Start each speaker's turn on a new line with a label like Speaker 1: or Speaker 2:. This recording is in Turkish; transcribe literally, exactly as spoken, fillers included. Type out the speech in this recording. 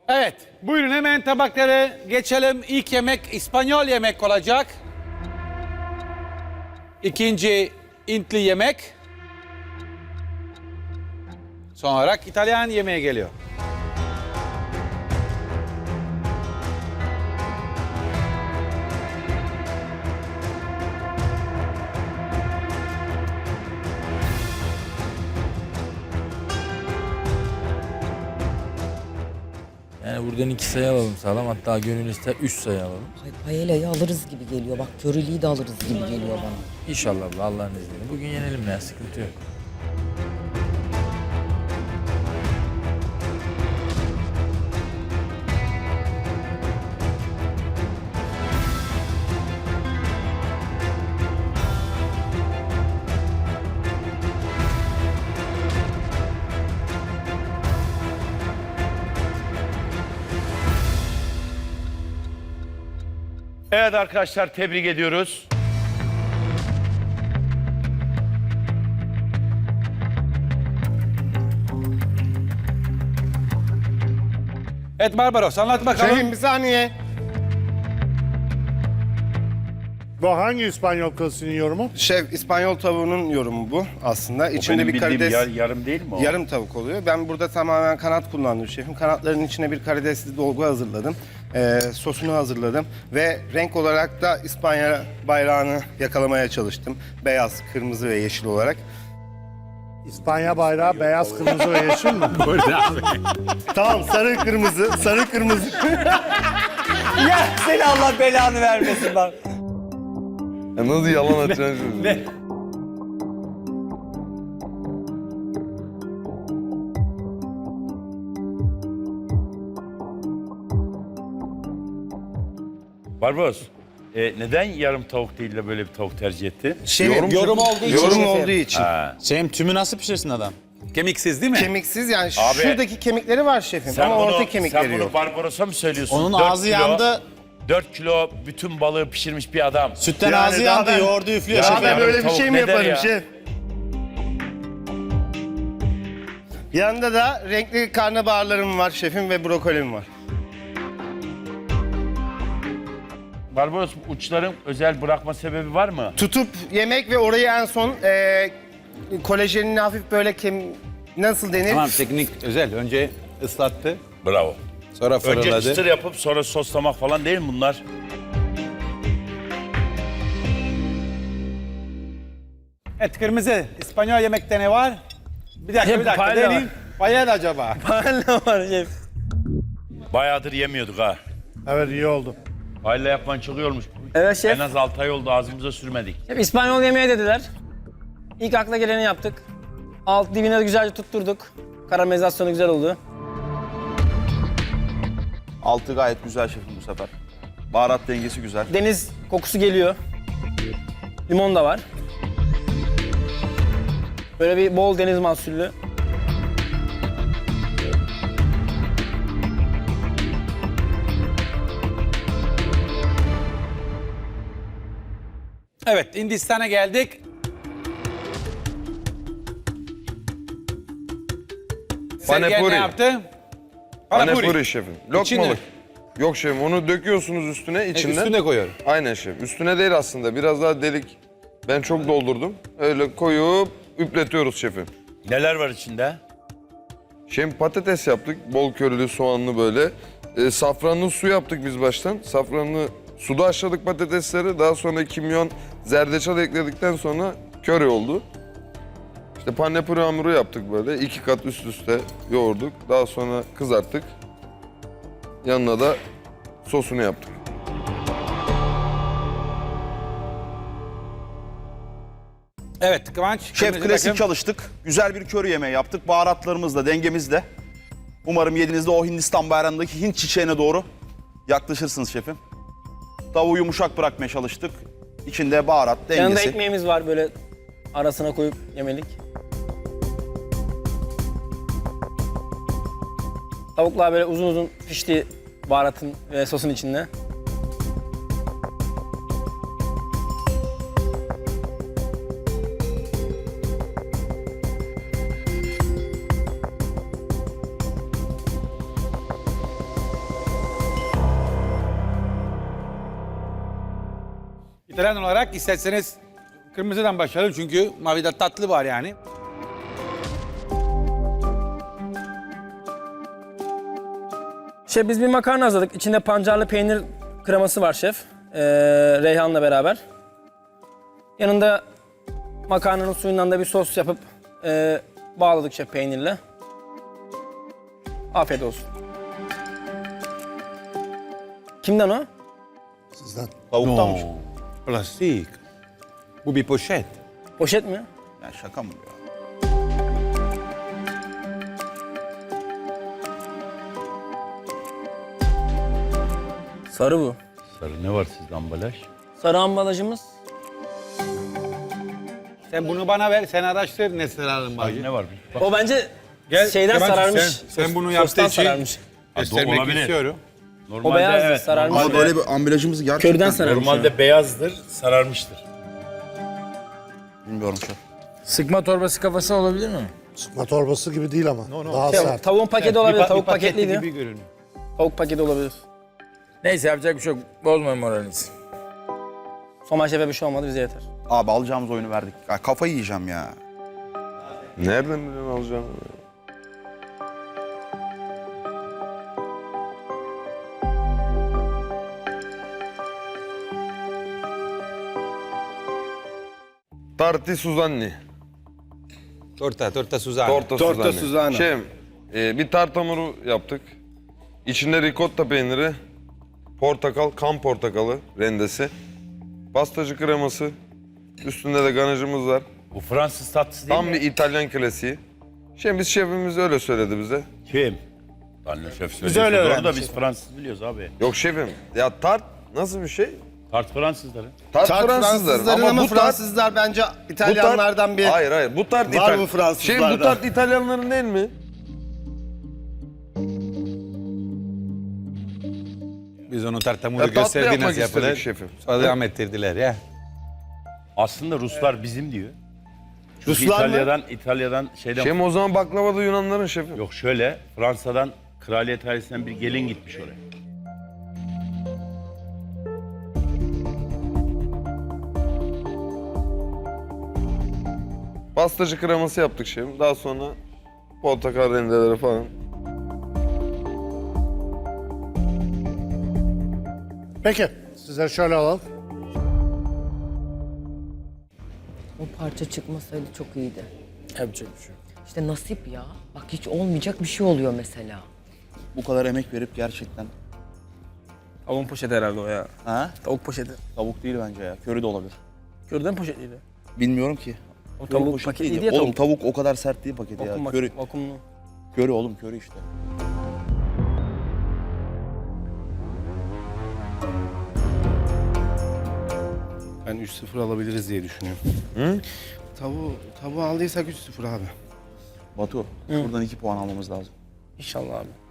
Speaker 1: Evet, buyurun hemen tabakları geçelim. İlk yemek İspanyol yemek olacak. İkinci Hintli yemek. Son olarak İtalyan yemeğe geliyor.
Speaker 2: Yani buradan iki sayı alalım sağlam. Hatta gönül ister üç sayı alalım.
Speaker 3: Ay, paella'yı alırız gibi geliyor. Bak köreliği de alırız gibi geliyor bana.
Speaker 2: İnşallah abla, Allah'ın izniyle. Bugün yenelim ya, sıkıntı yok.
Speaker 4: Evet arkadaşlar, tebrik ediyoruz.
Speaker 1: Evet Barbaros, anlat bakalım.
Speaker 5: Şefim bir saniye. Bu hangi İspanyol klasının yorumu?
Speaker 6: Şef, İspanyol tavuğunun yorumu bu aslında. İçinde
Speaker 4: Benim
Speaker 6: bir
Speaker 4: bildiğim
Speaker 6: karides,
Speaker 4: yar- yarım değil mi o?
Speaker 6: yarım tavuk oluyor. Ben burada tamamen kanat kullandım şefim. Kanatların içine bir karidesli dolgu hazırladım. Ee, sosunu hazırladım. Ve renk olarak da İspanya bayrağını yakalamaya çalıştım. Beyaz, kırmızı ve yeşil olarak.
Speaker 5: İspanya bayrağı beyaz, kırmızı ve yeşil mi?
Speaker 6: Tamam, sarı kırmızı, sarı kırmızı.
Speaker 7: Ya seni Allah belanı vermesin bak.
Speaker 8: Ya nasıl yalan atacaksın şimdi?
Speaker 4: Barbaros, e, neden yarım tavuk değil de böyle bir tavuk tercih etti?
Speaker 6: Şefim,
Speaker 8: Yorum-
Speaker 1: Yorum olduğu için.
Speaker 6: yorum
Speaker 1: şefim.
Speaker 6: olduğu için.
Speaker 4: Ha.
Speaker 7: Şeyim tümü nasıl pişirsin adam?
Speaker 1: Kemiksiz değil mi?
Speaker 6: Kemiksiz yani
Speaker 4: Abi,
Speaker 6: şuradaki kemikleri var şefim
Speaker 4: Sen
Speaker 6: ama
Speaker 4: bunu,
Speaker 6: orta
Speaker 4: sen
Speaker 6: kemikleri
Speaker 4: bunu
Speaker 6: yok.
Speaker 4: Barbaros'a mı söylüyorsun?
Speaker 7: Onun
Speaker 4: Dört
Speaker 7: ağzı
Speaker 4: kilo-
Speaker 7: yandı.
Speaker 4: dört kilo bütün balığı pişirmiş bir adam.
Speaker 7: Sütten
Speaker 6: Yani
Speaker 7: ağzı
Speaker 6: daha
Speaker 7: yandı,
Speaker 6: ben-
Speaker 7: yoğurdu üflüyor.
Speaker 4: Ya
Speaker 6: Ya
Speaker 7: şefim.
Speaker 6: ben
Speaker 4: yarım
Speaker 6: böyle bir
Speaker 4: tavuk
Speaker 6: şey mi
Speaker 4: ne der
Speaker 6: yaparım
Speaker 4: ya?
Speaker 6: şef? Yanında da renkli karnabaharlarım var şefim ve brokolim var.
Speaker 4: Barbaros, uçların özel bırakma sebebi var mı?
Speaker 6: Tutup yemek ve orayı en son e, kolajenini hafif böyle kem... Nasıl denir?
Speaker 1: Tamam, teknik özel. Önce ıslattı,
Speaker 4: Bravo.
Speaker 1: sonra
Speaker 4: Önce
Speaker 1: fırınladı.
Speaker 4: çıtır yapıp sonra soslamak falan değil mi bunlar?
Speaker 1: Evet, kırmızı. İspanyol yemekte ne var? Bir dakika,
Speaker 7: Hep
Speaker 1: bir dakika.
Speaker 7: paella
Speaker 1: Deneyim. Paella acaba?
Speaker 7: Paella var şef.
Speaker 4: Bayağıdır yemiyorduk ha.
Speaker 5: Evet, iyi oldu.
Speaker 4: Paella yapman çok iyi olmuş.
Speaker 9: Evet şef.
Speaker 4: En az altı ay oldu, ağzımıza sürmedik.
Speaker 9: Hep İspanyol yemeği dediler. İlk akla geleni yaptık. Alt dibine de güzelce tutturduk. Karamelizasyonu güzel oldu.
Speaker 7: Altı gayet güzel şefim bu sefer. Baharat dengesi güzel.
Speaker 9: Deniz kokusu geliyor. Limon da var. Böyle bir bol deniz mahsullü.
Speaker 1: Evet, Hindistan'a geldik. Sergen
Speaker 8: Panepuri.
Speaker 1: ne yaptı?
Speaker 8: Panepuri şefim.
Speaker 1: İçinde.
Speaker 8: Lokmalık. Yok şefim, onu döküyorsunuz üstüne,
Speaker 1: E,
Speaker 8: içinden.
Speaker 1: üstüne koyuyorum.
Speaker 8: Aynen şef. Üstüne değil aslında, biraz daha delik. Ben çok doldurdum. Öyle koyup üpletiyoruz şefim.
Speaker 4: Neler var içinde?
Speaker 8: Şefim patates yaptık, bol körülü, soğanlı böyle. E, safranlı su yaptık biz baştan. Safranlı suda haşladık patatesleri. Daha sonra kimyon, zerdeçal ekledikten sonra köri oldu. İşte panepuri hamuru yaptık böyle. İki kat üst üste yoğurduk. Daha sonra kızarttık. Yanına da sosunu yaptık.
Speaker 1: Evet, Kıvanç.
Speaker 7: Şef
Speaker 1: kırmızı
Speaker 7: klasik
Speaker 1: takım.
Speaker 7: çalıştık. Güzel bir köri yemeği yaptık. Baharatlarımızla, dengemizle. Umarım yediğinizde o Hindistan bayrağındaki Hint çiçeğine doğru yaklaşırsınız şefim. Tavuğu yumuşak bırakmaya çalıştık. İçinde baharat,
Speaker 9: Yanında
Speaker 7: dengesi.
Speaker 9: ekmeğimiz var böyle arasına koyup yemelik. Tavuklar böyle uzun uzun pişti baharatın ve sosun içinde.
Speaker 1: İtalyan olarak isterseniz kırmızıdan başlayalım çünkü mavide tatlı var yani.
Speaker 9: Şef biz bir makarna hazırladık. İçinde pancarlı peynir kreması var şef. Ee, Reyhan'la beraber. Yanında makarnanın suyundan da bir sos yapıp e, bağladık şef peynirle. Afiyet olsun. Kimden o?
Speaker 5: Sizden.
Speaker 7: Tavuktanmış.
Speaker 1: Plastik. Bu bir poşet.
Speaker 9: Poşet mi?
Speaker 7: Ya şaka mı ya?
Speaker 9: Sarı bu.
Speaker 4: Sarı ne var sizde ambalaj?
Speaker 9: Sarı ambalajımız.
Speaker 1: Sen bunu bana ver, sen araştır ne sararım bacı.
Speaker 4: Ne var? Bak,
Speaker 9: O bence
Speaker 1: Gel,
Speaker 9: şeyden
Speaker 1: Kemal'cim,
Speaker 9: sararmış.
Speaker 1: sen- sen bunu
Speaker 9: Sos-
Speaker 1: yaptığı
Speaker 9: sostan
Speaker 1: için-
Speaker 9: sararmış.
Speaker 1: Göstermek
Speaker 4: olabilir.
Speaker 1: istiyorum.
Speaker 4: normalde
Speaker 9: O beyazdı,
Speaker 4: evet.
Speaker 9: sararmış.
Speaker 4: Normalde,
Speaker 7: Ama böyle bir ambalajımız gerçekten...
Speaker 9: Körden sararmış.
Speaker 4: normalde beyazdır, sararmıştır.
Speaker 7: Bilmiyorum şef.
Speaker 2: Sıkma torbası kafası olabilir mi?
Speaker 5: Sıkma torbası gibi değil ama. Daha
Speaker 9: Şey,
Speaker 5: sert.
Speaker 9: tavuğun paketi
Speaker 1: Bir
Speaker 9: olabilir.
Speaker 1: pa-
Speaker 9: Tavuk
Speaker 1: bir paketli
Speaker 9: paketliydi.
Speaker 1: gibi görünüyor.
Speaker 9: Tavuk paketi olabilir.
Speaker 2: Neyse yapacak bir şey yok. Bozmayın moralinizi.
Speaker 9: Soma şefe bir şey olmadı bize yeter.
Speaker 7: Abi alacağımız oyunu verdik. Ya kafayı yiyeceğim ya.
Speaker 8: Nereden biliyorsun alacağını? Tarti Suzanni.
Speaker 1: Torta, torta Suzano.
Speaker 8: Torta,
Speaker 6: Torta
Speaker 8: Suzanni.
Speaker 6: Suzano.
Speaker 8: Şefim, e, bir tart hamuru yaptık. İçinde ricotta peyniri, portakal, kan portakalı rendesi, pastacı kreması, üstünde de ganajımız var.
Speaker 4: Bu Fransız tatlısı değil
Speaker 8: Tam
Speaker 4: mi?
Speaker 8: bir İtalyan klasiği. Şimdi biz şefimiz öyle söyledi bize.
Speaker 4: Kim? Tanrı şef
Speaker 1: öyle
Speaker 4: söylüyor. Doğru da
Speaker 1: öğrendik.
Speaker 4: biz Fransız biliyoruz abi.
Speaker 8: Yok şefim, ya tart nasıl bir şey?
Speaker 4: Tart Fransızların.
Speaker 8: Tart,
Speaker 6: Tart
Speaker 8: Fransızların
Speaker 6: Fransızların ama,
Speaker 8: bu tart...
Speaker 6: Fransızlar bence
Speaker 8: bu
Speaker 6: İtalyanlardan
Speaker 8: tart-
Speaker 6: bir...
Speaker 8: Hayır hayır, bu tart
Speaker 6: Var
Speaker 8: İtal-
Speaker 6: mı Fransızlarda?
Speaker 8: Şefim bu tart İtalyanların değil mi?
Speaker 1: Biz onu tartamuzu
Speaker 8: Ya tatlı
Speaker 1: gösterdi
Speaker 8: yapmak
Speaker 1: nasıl
Speaker 8: istedik
Speaker 1: yapılır.
Speaker 8: şefim.
Speaker 1: Sonra devam ettirdiler ya.
Speaker 4: Aslında Ruslar bizim diyor. Çünkü
Speaker 6: Ruslar mı?
Speaker 4: İtalya'dan, İtalya'dan şeyden...
Speaker 8: Şefim o zaman baklava da Yunanların şefim.
Speaker 4: Yok şöyle, Fransa'dan kraliyet ailesinden bir gelin gitmiş oraya.
Speaker 8: Pastacı kreması yaptık şefim. Daha sonra portakal rendeleri falan.
Speaker 5: Peki. Sizleri şöyle alalım.
Speaker 3: O parça çıkmasaydı çok iyiydi.
Speaker 2: Yapacak bir şey yok.
Speaker 3: İşte nasip ya. Bak hiç olmayacak bir şey oluyor mesela.
Speaker 7: Bu kadar emek verip gerçekten...
Speaker 9: Tavuğun poşeti herhalde o ya.
Speaker 7: Ha?
Speaker 9: Tavuk poşeti.
Speaker 7: Tavuk değil bence ya. Köri de olabilir.
Speaker 9: Körden poşetliydi.
Speaker 7: Bilmiyorum ki.
Speaker 9: O
Speaker 7: Köri
Speaker 9: tavuk
Speaker 7: poşet
Speaker 9: paketliydi
Speaker 7: değil.
Speaker 9: ya
Speaker 7: Oğlum
Speaker 9: tavuk.
Speaker 7: tavuk o kadar sert değil paketi
Speaker 9: Vakum,
Speaker 7: ya. Köri,
Speaker 9: vakumlu.
Speaker 7: köri oğlum köri işte.
Speaker 6: Ben üç sıfır alabiliriz diye düşünüyorum. Hı? Tavuğu, tavuğu aldıysak üç sıfır abi.
Speaker 7: Batu, buradan iki puan almamız lazım.
Speaker 9: İnşallah abi.